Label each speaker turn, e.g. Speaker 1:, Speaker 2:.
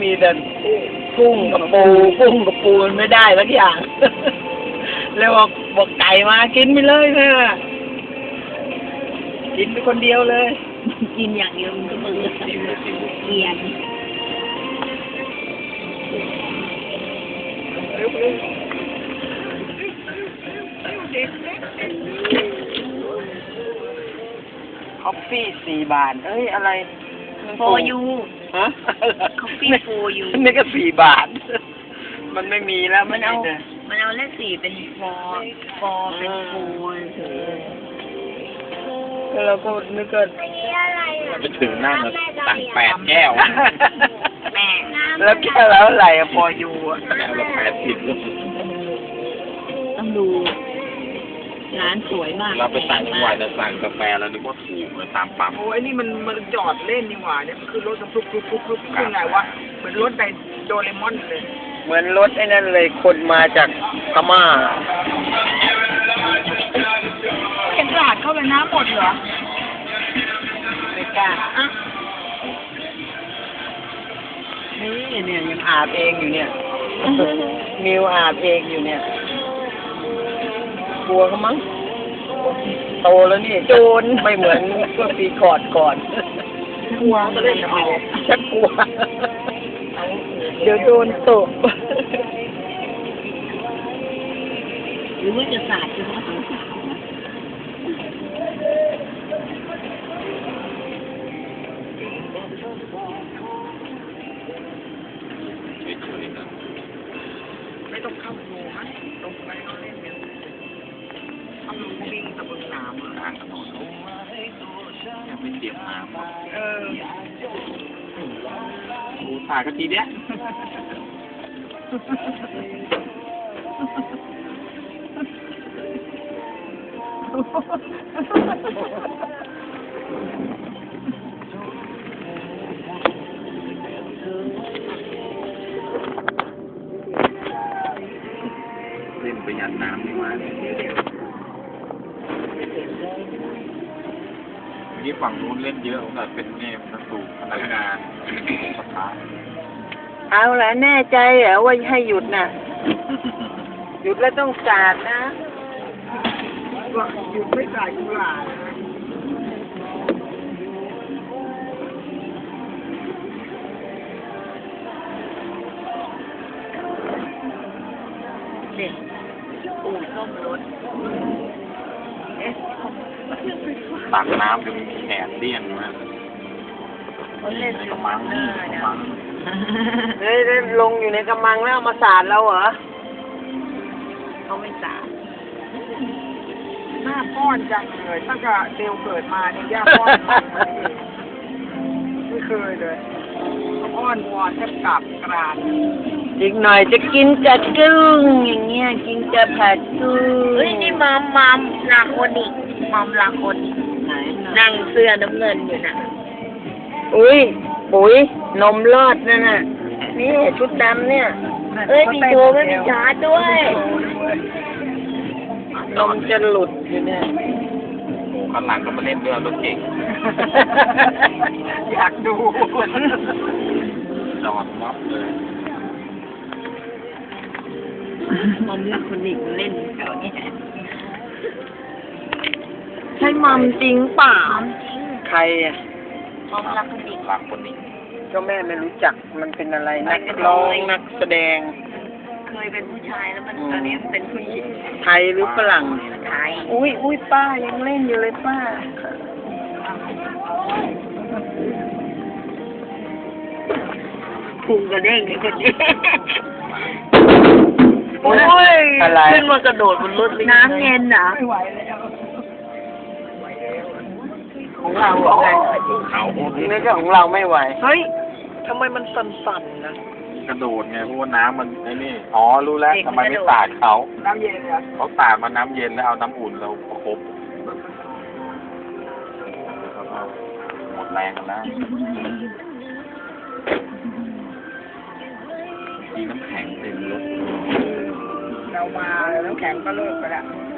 Speaker 1: มีแต่กุ้งกับปูมันไม่ได้สักอย่าง เลยบอกไก่มากินไปเลยแม่กินไปคนเดียวเลย
Speaker 2: กินอย่างเดียวมันก็เบื่อเกลียด
Speaker 1: คอฟฟี่4 บาทเอ้ยอะไร
Speaker 2: โฟยู
Speaker 1: ฮะ
Speaker 2: คอฟฟี่โฟยู
Speaker 1: นี่ก็4 บาท มันไม่มีแล้ว
Speaker 2: มันเอาเลข4เป็นฟอเป็นโฟเฉย
Speaker 1: แล้วเราก็นึกว่า
Speaker 3: ไปถึงนั่งสั่ง8 แก้ว
Speaker 2: แม่
Speaker 1: แล้วแก้วแล้วอะไรอะพออยู่อะ
Speaker 3: แก้วละ80ลูก
Speaker 2: ต้องดูร้านสวยมาก
Speaker 3: เราไปสั่งหวายแต่สั่งกาแฟแล้วนึกว่าถูกเลยตามปั๊ม
Speaker 1: โอ้ยนี่มันจอดเล่นนี่หว่าเนี่ยมันคือรถสำลุกขึ้นไงวะเหมือนรถในโดเรมอนเลย เหมือนรถไอ้นั่นเลยคนมาจากพม่า
Speaker 2: เห็นร้านเข้าไปน้ำหมดเหรอ
Speaker 1: ไม่กล้าอ่ะนี่เนี่ยยังอาบเองอยู่เนี่ย มิวอาบเองอยู่เนี่ยกลัวเขามั้งโตแล้วนี่โจรไม่เหมือนเมื่อปีก่อน
Speaker 2: กลัวก็เลยเอา
Speaker 1: ชักกลัว เดี๋ยวโดนตบ
Speaker 2: หรือว่าจะสาดจะว่าต้องสาด
Speaker 3: เฉยๆนะ
Speaker 1: ไม่ต้องเข้าโรงนะลงไปเราเล่นเนี่ยทำลงวิ่งตะบนน้ำ
Speaker 3: กลางถนนยังไม่เตรียมน้ำหมดกูถ่ายกันทีเนี้ยเล่นประหยัดน้ำดีกว่านี่ฝั่งนู้นเล่นเยอะแต่เป็นเนี่ยนักสูบพนักงานสภา
Speaker 1: เอาละแน่ใจเหรอว่าให้หยุดน่ะ หยุดแล้วต้องสาดนะว่าหยุดไม่สาดกุหลาบ
Speaker 2: เด็กอู่ซ่อมรถ
Speaker 3: ตักน้ำจนแขนเลี่ยนมา
Speaker 2: เขาเล่น
Speaker 3: ใน
Speaker 2: อก
Speaker 3: ระ
Speaker 2: ยู่
Speaker 3: มัง
Speaker 2: หน้า
Speaker 3: นี่ก
Speaker 2: นะ
Speaker 3: ระมัง
Speaker 1: เฮ้ยลงอยู่ในกำมังแล้วเอามาสาดเราเหรอ
Speaker 2: เขาไม่สาด
Speaker 1: หน้าป้อนจังเลยตั้งแต่เดวเกิดมาเนี่ยย่าป้อนมากเลยไม่เคยเลยอ้อนวอนแทบกราบกรานอีกหน่อยจะกินจะกึ้งอย่างเงี้ยกินจะผัดกุ้ง
Speaker 2: เฮ้ยนี่มัมลาโคนิกมัมลาโคนิก
Speaker 1: ไหน
Speaker 2: นั่งเสื้อน้ำเงินอยู่น่ะ
Speaker 1: อุ้ยปุ๋ยนมรอดนั่นน่ะนี่ชุดดำเนี่ย
Speaker 2: เอ้ยมีโชว์ไม่มีชาร์จด้วย
Speaker 1: นมจะหลุดอยู่เนี่ย
Speaker 3: โอ้ข้างหลังก็มาเล่นด้วยรถเก่ง
Speaker 1: อยากดู
Speaker 3: จอดม็อบเลย
Speaker 2: มัมลาโคนิกเล่นแถวนี้
Speaker 1: ใช่มัมจริงเปล่าใครอ่ะ
Speaker 2: มัมลาโคนิก
Speaker 3: หลังคนนี้
Speaker 1: ก็แม่ไม่รู้จักมันเป็นอะไรนักร้องนักแสดง
Speaker 2: เคยเป็นผู้ชายแล้วมันตอนนี้มันเป็นผู้หญิง
Speaker 1: ไทยหรือฝรั่ง
Speaker 2: ไทย
Speaker 1: อุ้ยป้ายังเล่นอยู่เลยป้า
Speaker 2: พุงกระเด้งเลยคนนี้
Speaker 1: โอ้ยอะไร
Speaker 2: ขึ้นมากระโดดบนรถน้ำเย็นเหรอ
Speaker 1: ไม่ไหวแล้วของเราเหรอไง
Speaker 3: เขา
Speaker 1: นี่ก็ของเราไม่ไหวเฮ้ยทำไมมันสั่นๆนะ
Speaker 3: กระโดดไงเพราะว่าน้ำมันไอ้นี่อ๋อรู้แล้วทำไมไม่สาดเขา
Speaker 1: น้ำเย็นเหรอ
Speaker 3: เขาสาดมาน้ำเย็นแล้วเอาน้ำอุ่นเราประคบหมดแรงกันแล้วมีน้ำแข็งเต็มรถ
Speaker 1: เรามาแล้วน้ำแข็งก็เลิกไปแล้ว